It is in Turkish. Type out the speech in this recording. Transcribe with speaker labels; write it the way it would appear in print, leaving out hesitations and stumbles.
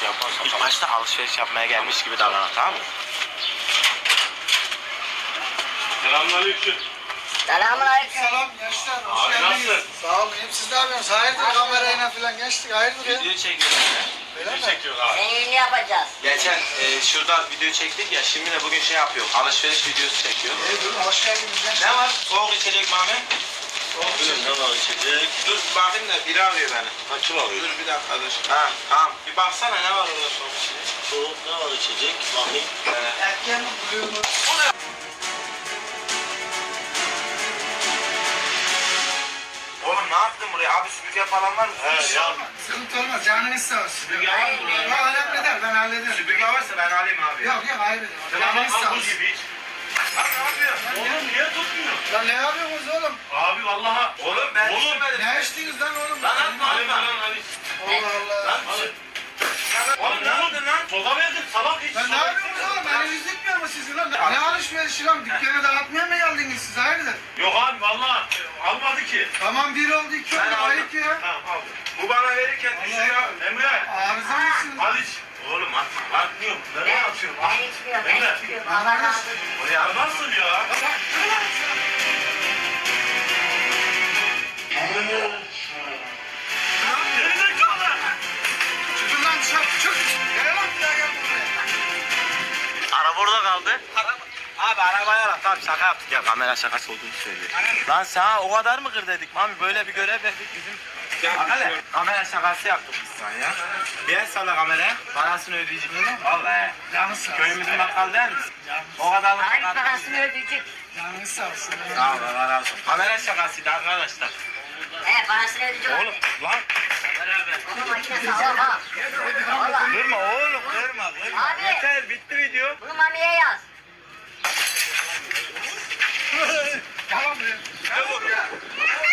Speaker 1: şey yaparsan. İlk başta alışveriş yapmaya gelmiş gibi davran, tamam mı?
Speaker 2: Selamünaleyküm.
Speaker 3: Selamünaleyküm.
Speaker 4: Selam gençler, hoş
Speaker 2: Abi
Speaker 4: geldiniz.
Speaker 2: nasılsın?
Speaker 4: Sağ olun, siz ne yapıyorsunuz? Hayırdır kamerayla falan geçtik, hayırdır ya?
Speaker 1: Video çekiyoruz.
Speaker 4: Öyle mi?
Speaker 2: Ne çekiyor abi?
Speaker 3: Neyini yapacağız?
Speaker 1: Geçen şurada video çektik ya, şimdi de bugün şey yapıyor. Alışveriş videosu çekiyor.
Speaker 4: Dur, hoş geldiniz gençler.
Speaker 1: Ne var? Soğuk içecek Mami?
Speaker 2: Ne var içecek?
Speaker 1: Dur bakayım da biri arıyor beni.
Speaker 2: Ha kim arıyor?
Speaker 1: Dur bir dakika dur. Ha tamam. Bir baksana ne var orada soğuk içecek.
Speaker 2: Soğuk ne var içecek? Bakayım.
Speaker 4: Erken mi, buluyor mu?
Speaker 1: Oğlum ne yaptın buraya? Abi süpürge falan var mı?
Speaker 2: He ya.
Speaker 4: Sıkıntı olmaz, canınız sağ olsun.
Speaker 1: Süpürge var mı burada?
Speaker 4: Yok, önemli değil, ben hallederim.
Speaker 1: Süpürge varsa ben alayım abi.
Speaker 4: Yok, hayır.
Speaker 2: Tamam
Speaker 4: Canınız sağ
Speaker 2: bak bu
Speaker 4: olsun.
Speaker 2: gibi iç.
Speaker 1: Lan ne yapıyorsun?
Speaker 2: Oğlum niye tutmuyor?
Speaker 4: Lan ne yapıyorsunuz oğlum?
Speaker 2: Abi vallaha.
Speaker 1: Oğlum ben
Speaker 2: Oğlum,
Speaker 1: içmedim.
Speaker 4: Ne içtiniz lan oğlum?
Speaker 1: Lan atma
Speaker 2: Hadi
Speaker 1: atma.
Speaker 2: lan hadi.
Speaker 4: Allah Allah.
Speaker 1: Lan
Speaker 2: Oğlum
Speaker 1: ne yaptın lan?
Speaker 2: Soda verdin salak iç.
Speaker 4: Lan ne yapıyorsunuz oğlum? Eliniz gitmiyor mu sizin lan? Ne alışverişi lan? Dükkanı dağıtmaya mı geldiniz siz? Hayırdır?
Speaker 2: Yok abi vallahi almadı ki.
Speaker 4: Tamam, bir oldu, iki oldu,
Speaker 1: Ben aldım.
Speaker 4: ayıp ya.
Speaker 2: Tamam aldım.
Speaker 1: Bu bana verirken düşüyor.
Speaker 2: Emre.
Speaker 4: Arıza mısınız?
Speaker 2: Hadi iç.
Speaker 1: Oğlum atma lan.
Speaker 2: Atmıyorum. Nereye atıyorum?
Speaker 3: Ben içmiyorum, ben
Speaker 2: Emre.
Speaker 3: içmiyorum. Allah razı olsun.
Speaker 1: Oraya
Speaker 2: Ya nasıl ya? Gerizekalı.
Speaker 4: Çıkın lan dışarı, çık. Gel lan, bir daha gel buraya.
Speaker 1: Araba orada kaldı. Abi arabaya bak, tamam şaka yaptık ya, kamera şakası olduğunu söylüyor. Lan sana o kadar mı kır dedik Mami, böyle bir görev verdik bizim. Bak hele kamera şakası yaptık biz sana ya. Bir el salla kameraya, parasını ödeyecek mi? Vallahi.
Speaker 4: Canınız
Speaker 1: Köyümüzün bakkal değil misin? O kadarlık
Speaker 3: Hayır
Speaker 1: şaka.
Speaker 3: parasını ödeyecek.
Speaker 4: Canınız sağ olsun.
Speaker 1: Sağ ol, Allah razı olsun. Kamera şakasıydı arkadaşlar.
Speaker 3: Parasını ödeyecek.
Speaker 1: Oğlum lan.
Speaker 3: Bunun makinesi sağlam ha. Valla.
Speaker 1: Kırma oğlum, kırma.
Speaker 3: Abi.
Speaker 1: Yeter, bitti video.
Speaker 3: Bunu mamiye yaz.
Speaker 4: Tamam buraya.
Speaker 1: Ne vurdu?